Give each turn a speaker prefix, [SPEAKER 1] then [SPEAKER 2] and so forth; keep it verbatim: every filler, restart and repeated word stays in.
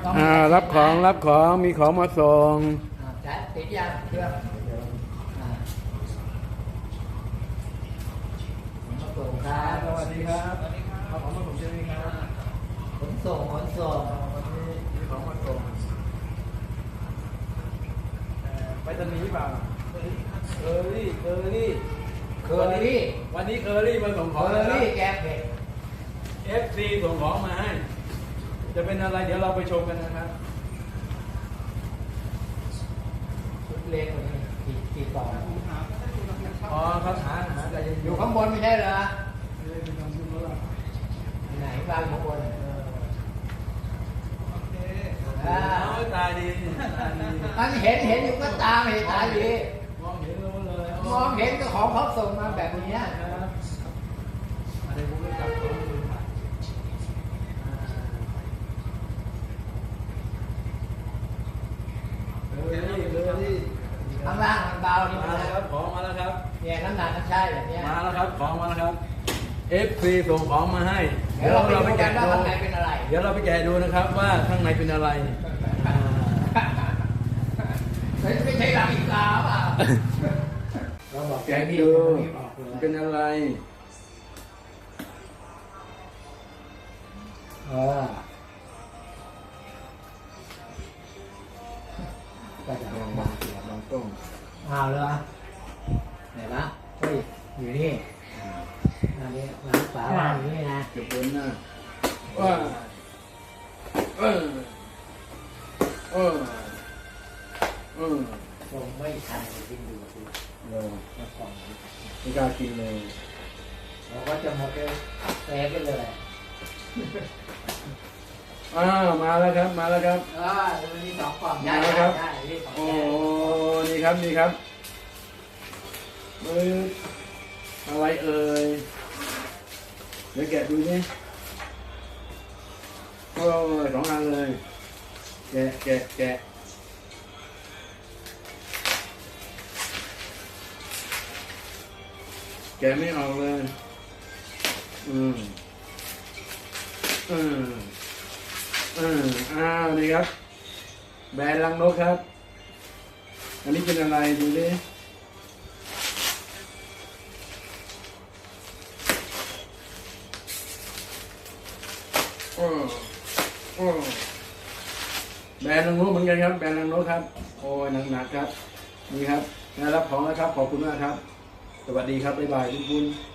[SPEAKER 1] อ่ารับของรับของมีของมาส่ง
[SPEAKER 2] ใช้ติดยังเชื่อมาส่งครับ
[SPEAKER 1] สวัสดีครับเอาของมาส่งใช่ไหมครับ
[SPEAKER 2] ขนส่งขนส่ง
[SPEAKER 1] วันนี้มีของมาส่งไปตอนนี้เปล่าเคอรี่เคอรี่
[SPEAKER 2] เคอรี่
[SPEAKER 1] วันนี้เคอรี่มาส่งข
[SPEAKER 2] เค
[SPEAKER 1] อง
[SPEAKER 2] อรี่แกงเผ็ด
[SPEAKER 1] เอฟซีส่งของมาให้จะเป็นอะไรเดี๋ยวเราไปชมกันนะครับ
[SPEAKER 2] ชุดเล็กกว่านี้กี่กี่กล่อง
[SPEAKER 1] อ๋อเขาหาหาใจเย็น
[SPEAKER 2] อยู่ข้างบนไม่ใช่เหรอไหนบ้านข้างบนอ่า
[SPEAKER 1] ตาดีตาดี
[SPEAKER 2] มันเห็นเห็นอยู่ก็ตามเห็นตาดี
[SPEAKER 1] มองเห็นรู้เลย
[SPEAKER 2] มองเห็นก็ของเขาส่งมาแบบนี้
[SPEAKER 1] ครับอะไรผมก็จับของดูผ่านเลยเลย
[SPEAKER 2] ข้างล่างมันเบานี่
[SPEAKER 1] มา
[SPEAKER 2] มัน
[SPEAKER 1] แล้วครับของมาแล้วครับ
[SPEAKER 2] เนี่ยน้ำหนักมันใช่แบบนี้
[SPEAKER 1] มาแล้วครับของมาแล้วครับ เอฟ ซี ส่งของมาให้
[SPEAKER 2] เดี๋ยวเราไปดูกันว่าข้างในเป็นอะไร
[SPEAKER 1] เดี๋ยวเราไปแกะดูนะครับว่าข้างในเป็นอะไรอ่า
[SPEAKER 2] ไม่ใช่ลาอิกาเปล่าเราบอก
[SPEAKER 1] แกะ
[SPEAKER 2] นี่
[SPEAKER 1] ดู
[SPEAKER 2] บอกเลย
[SPEAKER 1] เป็นอะไร
[SPEAKER 2] เออก็จะลองมา
[SPEAKER 1] ลองต้ม
[SPEAKER 2] เอาเลยไหนวะเฮ้ยอยู่นี่อันนี้ร้านฝาบ้านอยู่นี่นะ
[SPEAKER 1] เก็บบนหน้าว่าเออเออเออ
[SPEAKER 2] ส่งไม่ทันกินดูสิ
[SPEAKER 1] เออ
[SPEAKER 2] แล้วกล่องนี้
[SPEAKER 1] ไม่กล้ากินเลย
[SPEAKER 2] เราก็จะหมดเลยแตกไปเลย
[SPEAKER 1] อ้าวมาแล้วครับมาแล้วครับ
[SPEAKER 2] อ่ามันมีสองกล่อง
[SPEAKER 1] มาแล้วครับ
[SPEAKER 2] ได้ได้สอง
[SPEAKER 1] โอ้
[SPEAKER 2] แก้ว
[SPEAKER 1] นี่ครับนี่ครับเอ้ยอะไรเอ่ยเดี๋ยวแกะดูนี่โอ้ยสองอันเลยแกะแกะแกะแกะไม่ออกเลยอืมอืมอืมอ้าวนี่ครับแบรนด์ลังนกครับอันนี้เป็นอะไรดูดิโอ้โอ้แบรนด์ลังนกเหมือนกันครับแบรนด์ลังนกครับโอ้ยหนักๆครับนี่ครับได้รับของแล้วครับขอบคุณมากครับสวัสดีครับบ๊ายบายทุกคน